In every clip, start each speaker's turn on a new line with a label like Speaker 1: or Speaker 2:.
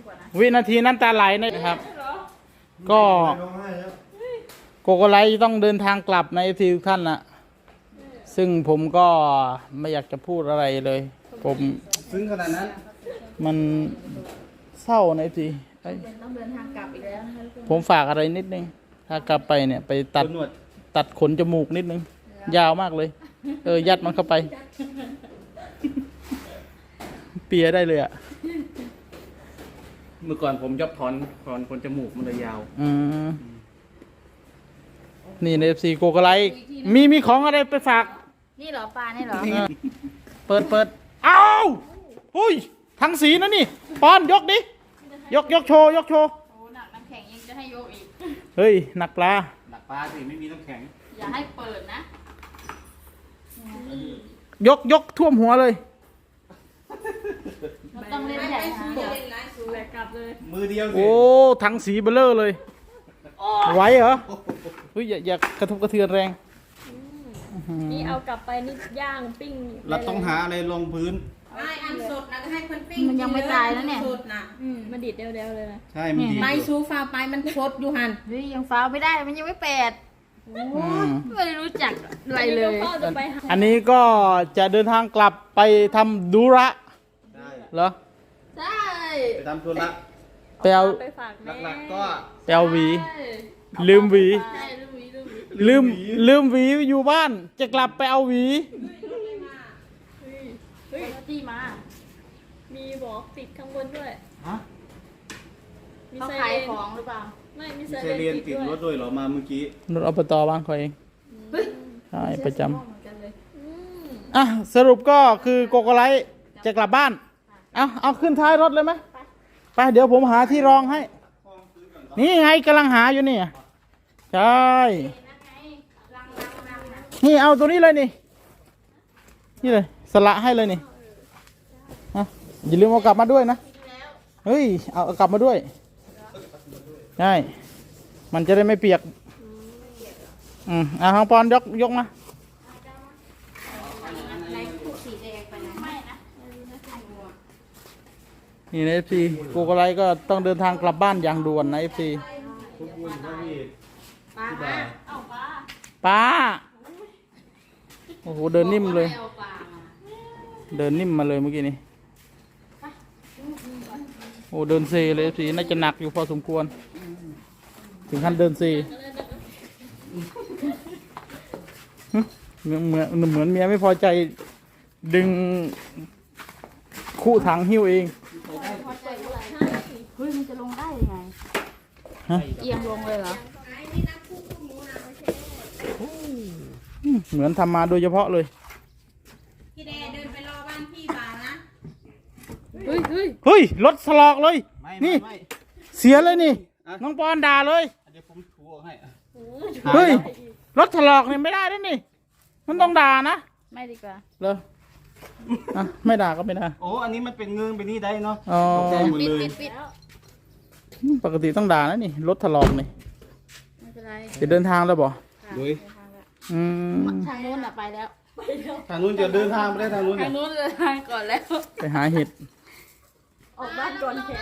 Speaker 1: วินาทีน้ำตาไหลนะครับก็โกโกไลต้องเดินทางกลับในทีทุกท่านนะซึ่งผมก็ไม่อยากจะพูดอะไรเลยผม
Speaker 2: ซึ้งขนาดนั้น
Speaker 1: มันเศร้าในที
Speaker 3: ต้องเดินทางกลับอีกแล้วนะคะ
Speaker 1: ผมฝากอะไรนิดนึงถ้ากลับไปเนี่ยไปตัดขนจมูกนิดนึงยาวมากเลยยัดมันเข้าไปเปียได้เลยอ่ะ
Speaker 2: เมื่อก่อนผมชอบถอนขนจมูกมันเลยยาว
Speaker 1: นี่ในFC โกโกไลมีของอะไรไปฝาก
Speaker 3: นี่เหรอปลานี่เหรอ
Speaker 1: เปิดอ้าวหุ้ยทั้งสีนะนี่ปอนยกดิยกโชว์โอ้
Speaker 3: หนักน้ำแข็งยังจะให้ยกอีก
Speaker 1: เฮ้ยหนักปลา
Speaker 2: สิไม่มีน้ำแข็ง
Speaker 3: อย่าให้เปิดนะ
Speaker 1: ยกท่วมหัวเลย
Speaker 3: มันต้องเล่นใหญ่นะแบกกลับเลย
Speaker 2: มือเดียว
Speaker 1: โอ้ทั้งสีเบลเลอร์เลยไหวเหรอเฮ้ยอย่ากระทบกระเทือนแรง
Speaker 4: นี่เอากลับไปนี่ย่างปิ้ง
Speaker 2: เราต้องหาอะไรลงพื้น
Speaker 5: ไม่อันสดนะให้คนปิ้ง
Speaker 3: มันยังไม่ตายแล้วเนี่ย
Speaker 5: สดนะ
Speaker 4: มันดิดเดียวเลยนะ
Speaker 2: ใช่มันดิด
Speaker 5: ไปซูฟ้าไปมันสดอยู่หัน
Speaker 3: เฮ้ยยังฟ้าไม่ได้มันยังไม่แปดไม่รู้จักอะไรเลย
Speaker 1: อันนี้ก็จะเดินทางกลับไปทำดุระเหรอ
Speaker 3: ใช่
Speaker 2: ไปทำธุระ
Speaker 1: ไปเอา
Speaker 2: หลักๆก็
Speaker 1: ไปเอาหวีลืมหวีลืมหวีอยู่บ้านจะกลับไปเอาหวี
Speaker 3: เฮ้ยจี้มา
Speaker 4: มีบอกติดข้างบนด้วย
Speaker 3: เขาขายของหรือเปล่า
Speaker 4: ไม่มี
Speaker 2: เซเรียนติดรถด้วยเหรอมาเมื่อกี้
Speaker 1: รถอบตบ้านเขาเองใช่ประจำสรุปก็คือโกโกไลจะกลับบ้านเอาขึ้นท้ายรถเลยไหมไปเดี๋ยวผมหาที่รองให้นี่ไงกำลังหาอยู่นี่ใช่นี่เอาตัวนี้เลยนี่เลยสละให้เลยนี่อย่าลืมเอากลับมาด้วยนะเฮ้ยเอากลับมาด้วยใช่มันจะได้ไม่เปียกทางปอนยกมานี่นะ FC โกโกไลก็ต้องเดินทางกลับบ้านอย่างด่วนนะ FC ป้าโอ้โหเดินนิ่มเลยเดินนิ่มมาเลยเมื่อกี้นี้โอ้เดินเซเลย FC น่าจะหนักอยู่พอสมควรถึงขั้นเดินเซเหมือนเมียไม่พอใจดึงคู่ถังหิ้วเอง
Speaker 3: เฮ้ยมันจะลงได้ยังไงเอียงลงเลยเหรอ
Speaker 1: เหมือนทำมาโดยเฉพาะเลย
Speaker 5: พี่แดเดินไปรอบ้านพี่บ่านะ
Speaker 1: เฮ้ยรถสลอกเลยนี่เสียเลยนี่น้องปอนด่าเลย
Speaker 2: เดี๋ยวผมถูให้
Speaker 1: เฮ้ยรถถลอกนี่ไม่ได้ด้วยนี่มันต้องด่านะ
Speaker 3: ไม่ดีกว่า
Speaker 1: เหรอไม่ด่าก็ไม่ด่า
Speaker 2: โอ้อันนี้มันเป็นเงินไปนี่ได้เนาะ
Speaker 3: ปิด
Speaker 1: ปกติต้องด่านะนี่รถถลอกนี่
Speaker 3: ไม่เป็นไร
Speaker 1: จะเดินทางแล้วบ่
Speaker 3: ทางนู้นไปแล้ว
Speaker 2: ทางนู้นจะเดินทางไปได้ทางนู้น
Speaker 3: เดินทางก่อนแล้ว
Speaker 1: ไปหาเห็ด
Speaker 4: ออกบ้านก่อนแข่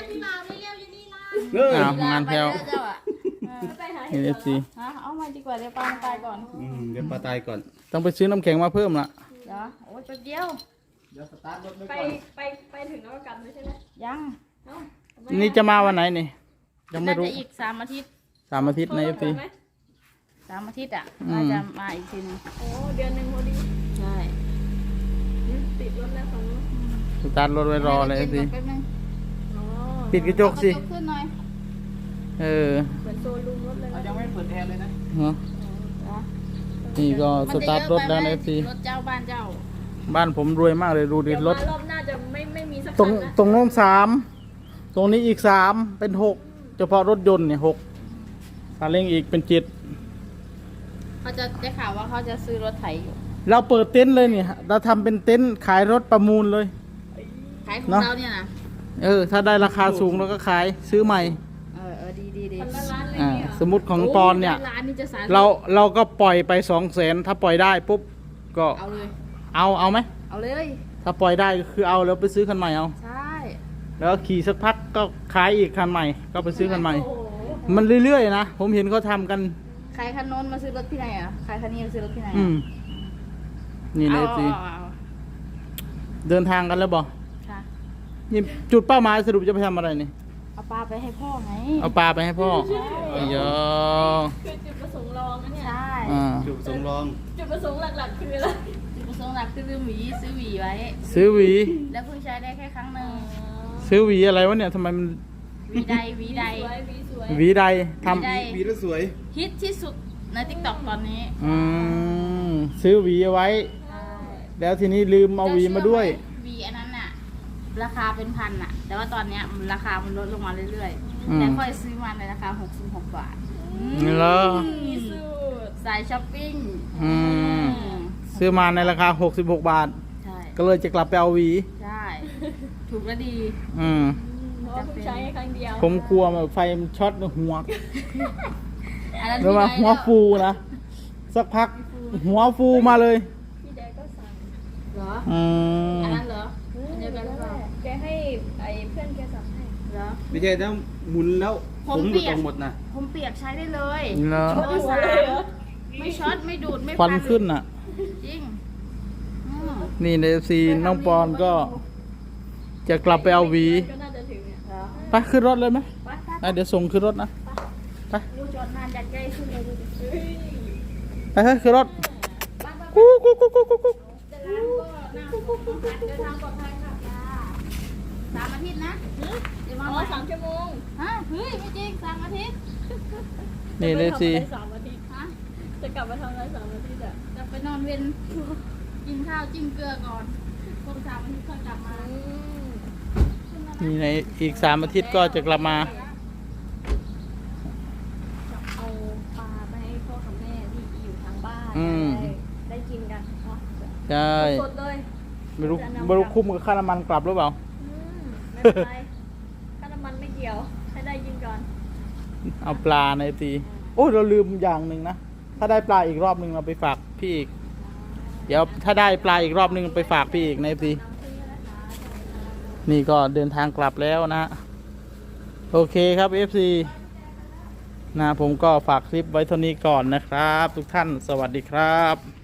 Speaker 1: งานแพลวเอฟซี
Speaker 3: เอามาดีกว่าเดี๋ยวปลาตายก่อน
Speaker 2: เดี๋ยวปลาตายก่อน
Speaker 1: ต้องไปซื้อน้ำแข็งมาเพิ่มละ
Speaker 3: เหรอโอ้ยเดียว
Speaker 2: สตาร์ทรถ
Speaker 4: ไปถึงแล้วก็กลับเลยใช่ไหม
Speaker 3: ยัง
Speaker 1: นี่จะมาวันไหนนี่ยังไม่รู้
Speaker 3: อีก3 อาทิตย์
Speaker 1: 3 อาทิตย์ในเอฟซี
Speaker 3: 3 อาทิตย์น่าจะมาอีกทีนึง
Speaker 4: โอ้เดือนหนึ่งพอดี
Speaker 3: ใช่
Speaker 4: ติดรถแล้วฝั่งนู้น
Speaker 1: สตาร์ทรถไว้รอเลยสิปิดกระจกสิ
Speaker 3: ขึ้นหน่อย
Speaker 4: เหมือนโซลูมรถเลย
Speaker 2: ยังไม่เปิดแอร์เลยนะ
Speaker 1: นี่ก็สตาร์ทรถแล้วนะสิ
Speaker 3: รถเจ้า
Speaker 1: บ้านผมรวยมากเลยดูดิรถ
Speaker 4: รอบหน้าจะไม่มีสัก
Speaker 1: ตรงโน้น3ตรงนี้อีก3เป็น6เฉพาะรถยนต์เนี่ย6ซาเล้งอีกเป็น7
Speaker 3: เขาจะได้ข่าวว่าเขาจะซื้อรถไถอยู่
Speaker 1: เราเปิดเต็นท์เลยเนี่ยเราทำเป็นเต็นท์ขายรถประมูลเลย
Speaker 3: ขายของเราเนี่ยนะ
Speaker 1: ถ้าได้ราคาสูงเราก็ขายซื้อใหม่
Speaker 3: ดี
Speaker 1: สมมุติของปอนเนี่ยเราก็ปล่อยไป200,000ถ้าปล่อยได้ปุ๊บก็
Speaker 3: เอาเลย
Speaker 1: เอาไหม
Speaker 3: เอาเลย
Speaker 1: ถ้าปล่อยได้ก็คือเอาแล้วไปซื้อคันใหม่เอา
Speaker 3: ใช่
Speaker 1: แล้วขี่สักพักก็ขายอีกคันใหม่ก็ไปซื้อคันใหม่ มันเรื่อยๆนะผมเห็นเขาทำกัน
Speaker 3: ใครคันโน้นมาซื้อรถพี่ไหนอ่ะใครคันนี้มาซื้อรถพี่ไหน
Speaker 1: อืมนี่เลยสิ
Speaker 3: เอา
Speaker 1: เดินทางกันแล้วบอก
Speaker 3: ค่ะ
Speaker 1: นี่จุดเป้าหมายสรุปจะไปทำอะไรนี่
Speaker 3: เอาปลาไปให้พ่อไง
Speaker 1: เอาปลาไปให้พ่อเยอะ
Speaker 4: คือจุดประสงค์รองนะเนี่ย
Speaker 3: ใช่
Speaker 2: จุดสำรอง
Speaker 4: จุดประสงค์หลักๆคืออะไร
Speaker 3: จุดประสงค์หลักคือซื้อหวีไว้
Speaker 1: ซื้อหวี
Speaker 3: แล้วเพิ่งใช้ได้แค่ครั้งหนึ่ง
Speaker 1: ซื้อหวีอะไรวะเนี่ยทำไมมัน
Speaker 3: หวีใด
Speaker 4: สวยวีสวย
Speaker 1: หวีใดท
Speaker 3: หวีใด
Speaker 2: วีแล้วสวย
Speaker 3: ฮิตที่สุดในติ๊กต็อกตอนนี้
Speaker 1: ำซื้อหวีเอาไว้ แล้วทีนี้ลืมเอาหวีมาด้วย
Speaker 3: หวีอันนั้นน่ะ ราคาเป็นพันน่ะ แต่ว่าตอนเนี้ยราคามันลดลงมาเรื่อย
Speaker 1: อืม
Speaker 3: ๆแต่ค่อยซื้อมาในราคา66 บาท
Speaker 1: เหรอ
Speaker 4: มีสูตร
Speaker 3: สายช้อปปิ้ง
Speaker 1: อืมซื้อมาในราคา66 บาท
Speaker 3: ใช่
Speaker 1: ก็เลยจะกลับไปเอาหวี
Speaker 3: ใช่ ถูกและดี
Speaker 4: เพราะว่าเพิ่งใช้แค่ครั้งเดียว
Speaker 1: ผมกลัวแบบไฟมันช็อตหัว
Speaker 3: อันนั้น
Speaker 1: แล้วมา
Speaker 3: พี่
Speaker 1: หัว
Speaker 3: ได้
Speaker 1: ฟูนะ สักพักหัวฟูมาเลย
Speaker 4: พี่แดกก็สั่ง
Speaker 3: เหรอ
Speaker 1: อืม
Speaker 3: อันนั้นเหรออันเดียวกันหรือเปล่า
Speaker 4: แกให้ไอ้เพื่อนแกสั่งให้
Speaker 3: เหรอ
Speaker 2: ไม่ใช่ถ้าหมุนแล้ว
Speaker 3: ผ
Speaker 2: ผม มห
Speaker 3: เปี
Speaker 2: ลุด
Speaker 3: ยก
Speaker 2: ออกหมดนะ
Speaker 3: ผมเปียกใช้ได้เลย
Speaker 1: เหรอ
Speaker 3: เบอร์สามไม่ช็อตไม่ดูดไม่
Speaker 1: ควันขึ้นอ่ะ
Speaker 3: จริงอืม
Speaker 1: นี่ในซีน้องปอนก็ จะกลับไปเอาหวี
Speaker 4: ก็น่าจะถึงเนี่ย
Speaker 3: เหรอ
Speaker 1: ไปขึ้นรถเลยไหม
Speaker 3: ไปไป
Speaker 1: อ่ะเดี๋ยวส่งขึ้นรถนะ
Speaker 3: ดูจอดนานจัดใจขึ้นเลยดูดิ
Speaker 4: เฮ้ย
Speaker 1: ไปเฮ้ยขึ้นรถ
Speaker 3: ไปไป
Speaker 1: กุ๊กกุ๊กกุ๊กกุ๊กกุ๊กกุ๊ก
Speaker 3: แต่ร้านก็น่าสงสารเดินทางปลอดภัยค่ะจ้า3 อาทิตย์นะเดี๋ยว
Speaker 4: อ๋
Speaker 3: มา
Speaker 4: อ
Speaker 3: ใหม่
Speaker 4: 3 ชั่วโมง
Speaker 3: ฮะเฮ้ยไม่จริง3 อาทิตย์
Speaker 1: นี่ในซี
Speaker 4: จะไปทำอะไร3 อาทิตย์
Speaker 3: ฮะ
Speaker 4: จะกลับมาทำอะไร3 อาทิตย์อ่ะ
Speaker 3: จะไปนอนเว้นกินข้าวจิ้มเกลือก่อนครบ3 อาทิตย์ค่อยกลับมา
Speaker 1: นี่ในอีก3 อาทิตย์ก็จะกลับมา
Speaker 4: เอาปลาไปให้พ่อกับแม่ที่อยู่ทางบ้าน
Speaker 1: อืม
Speaker 4: ได้กินกันเนาะ
Speaker 1: ใช่
Speaker 4: สดๆเลย
Speaker 1: ไม่รู้คุ้มกับค่าน้ำมันกลับหรือเปล่า
Speaker 4: ไม่เป็นไรค่าน้ำมันไม่เกี่ยว ให้ได้กินก่อน
Speaker 1: เอาปลาในซีโอ้ยเราลืมอย่างหนึ่งนะ ถ้าได้ปลาอีกรอบหนึ่งเราไปฝากพี่อีก เดี๋ยวถ้าได้ปลาอีกรอบหนึ่งไปฝากพี่อีกในซีนี่ก็เดินทางกลับแล้วนะ โอเคครับ FC นะผมก็ฝากคลิปไว้เท่านี้ก่อนนะครับ ทุกท่านสวัสดีครับ